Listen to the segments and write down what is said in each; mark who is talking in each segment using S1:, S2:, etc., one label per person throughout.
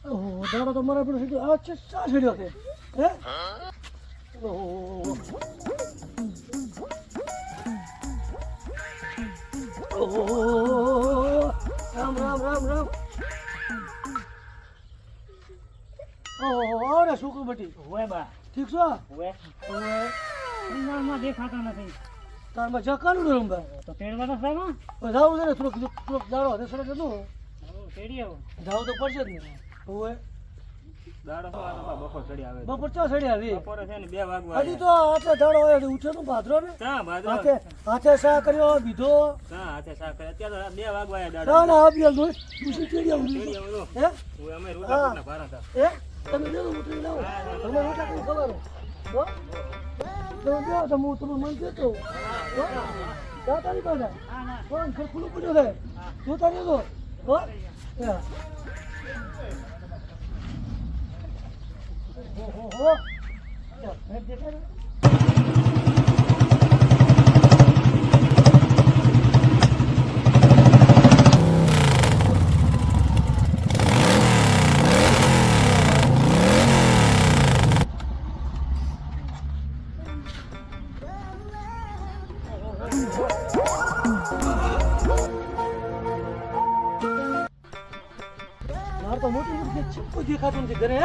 S1: ઓહો દાડો તો મારા પર સીધો આ છે સા છડ્યો છે હે ઓહો ઓહો રામ રામ રામ રામ ઓહો અરે સુકુ બટી
S2: ઓય બા
S1: ઠીક છો
S2: ઓય માં દેખાતા નથી
S1: તારમાં જકાનું ને રંબા
S2: તો તેડવાનો છે માં
S1: જાવ ને થોડોક દાડો હે સડક નો
S2: તેડી આવો
S1: જાવ તો પડશે જ ને ઓય
S2: દાડો તો બપોર ચડી આવે
S1: બપોર ચા સડી આવી
S2: બપોરે છે ને 2 વાગવા
S1: હજી તો આટલે દાડો હોય ઉઠ્યો તો ભાદરો ને
S2: ચા ભાદરો
S1: હાથે સા કર્યો બીધો
S2: ચા હાથે સા કરે અત્યારે 2 વાગવા આયા દાડો
S1: ના ના આપ્યા તો ખુશી કેડી આવું
S2: તેડી આવો
S1: હે
S2: ઓય અમે રોટલા ભારા હતા
S1: હે તમે દેલો ઉતરી લાવો તમે રોટલા કઈ ખબર હો તો જો તો હું તમને મન કેતો હો તારી પાસે
S2: હા ના
S1: કોણ ખુલ્લું પડ્યો છે તું તારી તો હો હો મેં દેખાય તો મોટી મોટી ચમ કોઈ દેખાતું નથી ઘરે હે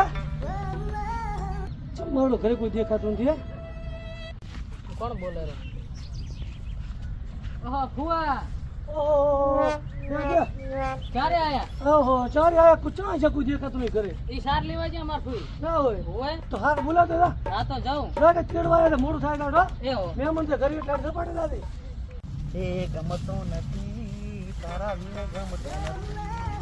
S1: ચમ મારો ઘરે કોઈ દેખાતું નથી
S2: કોણ બોલે રે ઓહો ફુવા
S1: ઓહો
S2: ક્યારે આયા
S1: ઓહો ચારે આયા કુચા છે કોઈ દેખાતું નહીં ઘરે
S2: ઈ સાર લેવા છે અમાર ફુઈ
S1: ના હોય
S2: ઓય
S1: તો હાર બોલા દે
S2: હા તો જાઉં
S1: રાતે કેડવા આયા મોડું થાય કાઢો
S2: એ હો
S1: મહેમાન છે ઘરે એટલે સપાટે દાદી
S3: એ ગમતો નથી તારા વિના ગમતો નથી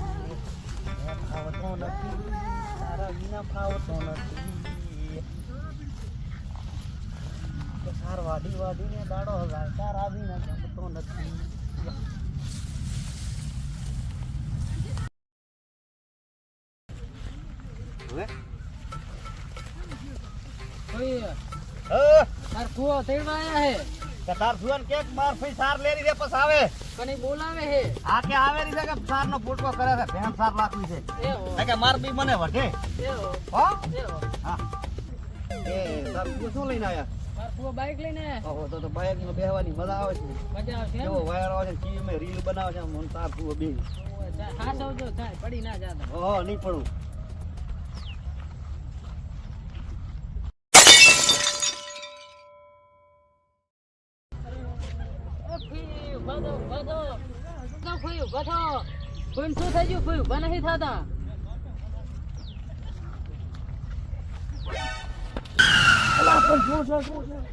S3: ફાવતો નથી તારા વિના ફાવતો નથી સાર વાડી વાડીને દાડો હગાય તારા વિના ગમતો નથી હવે
S2: ફુઈ
S3: અ
S2: તાર ફુવા તેડવા આયા હે
S3: તાર સુવન કે માર ફઈ સાર લેરી રે પસ આવે
S2: કને બોલાવે હે
S3: આ કે આવે રી છે કે સાર નો ફૂટકો કરે છે ભેણ સાર લાખવી છે
S2: એ હો
S3: આ કે માર બી મને વઢે
S2: એ હો
S3: હો
S2: એ હો
S3: હા એ સાર તું શું લઈને આયા
S2: માર ફુવા બાઈક લઈને આયા
S3: ઓહો તો બાઈક માં બેહવાની મજા આવે છે
S2: મજા આવશે
S3: કેવો વાયર આવે છે ટીવી માં રીલ બનાવે છે મન તાર તું બે
S2: હા સૌજો થાય પડી ના જાતા
S3: ઓહો નહીં પડું
S2: શું થઈ ગયું ફૂઈ ઉભા નથી થતા
S1: અલા પણ શું છે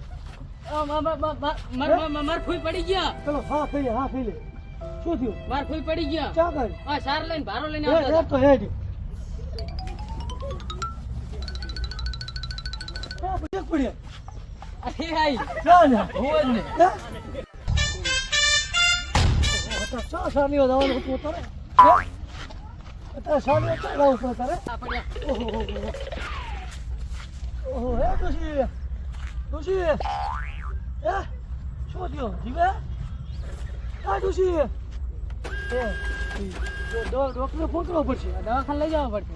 S2: માર ફૂઈ પડી ગયા
S1: ચલો હા ખાઈ લે શું થયું
S2: માર ફૂઈ પડી ગયા
S1: ચા કર
S2: હા સાર લઈને ભારો લઈને
S1: હે
S2: આવતા
S1: તો હેડ એક પડ્યા
S2: અરે આઈ
S1: ના ના
S2: હોય ને
S1: ચા સાલીઓ દાવાનું હતું તારે અત્યારે સાલીઓ ચા લાવું પડે તારે
S2: આ પડ્યા
S1: ઓહો હે ડોશી હે શું થયો જીવે હા ડોશી હે ડોક્ટરને ફોન કરવો પડશે
S2: દવાખાને લઈ જવા પડશે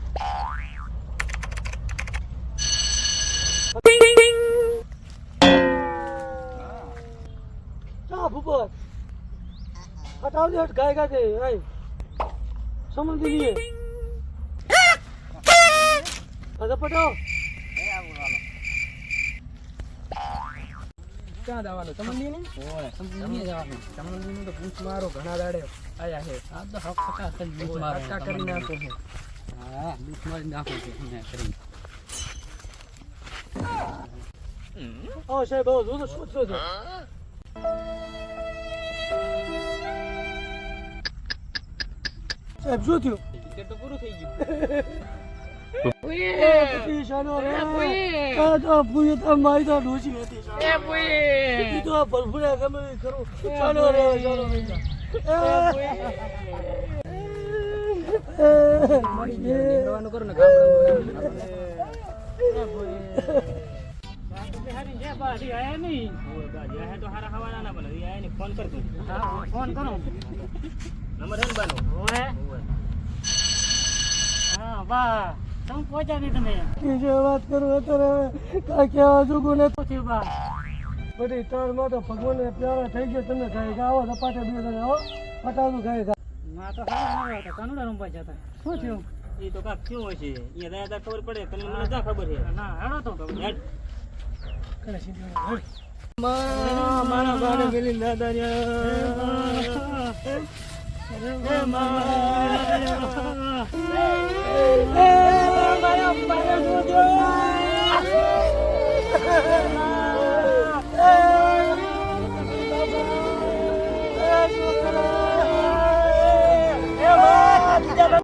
S1: ચા ભૂપત हटाओ दे हट गाएगा दे आई समझ लिए अरे पटाओ
S2: ક્યાં જવાનું સમંદી ને
S3: ઓય
S2: સમંદી જવાનું
S3: સમંદી નું તો પૂછ મારો ઘણા દાડે આયા છે
S2: આ તો હક ટકા કરી મારો
S3: ટકા કરી નાખો છે
S2: હા લૂટ મારી નાખો છે ને કરી
S1: आओ साहब आओ जो શું થયો છે સાહેબ શું થયું
S2: ટિકિટ તો પૂરું થઈ ગયું
S1: પછી શાનો રે આ તો પૂરી તો મારી તો ડોસી હતી
S2: એ પુઈ
S1: તો ભરભરે ગમે એ કરું શાનો રે
S2: નિકળવાનું કરો ને ગામડામાં ફોન કરો નંબર હે ને બાનો હા
S3: બા તમે પહોંચ્યા નહીં તમે
S1: કે જે વાત કરું અત્યારે કાંઈ કહેવા જોગું નથી.
S3: શું થયું બા
S1: બધી તારમાં તો ભગવાનને પ્યારા થઈ ગયા. તમે ગાય આવો સપાટે બે જણા આવો પટાવું ગાય
S3: ના તો સારા ના હતા કાનુડા રમવા જતા શું થયું
S2: એ તો કાંક થયું હશે અહીંયા રહ્યા ખબર પડે તને મને જા ખબર છે
S3: ના હેડો તો
S2: હેડ.
S1: કરે સીધી મારા બાને પેલી દાદા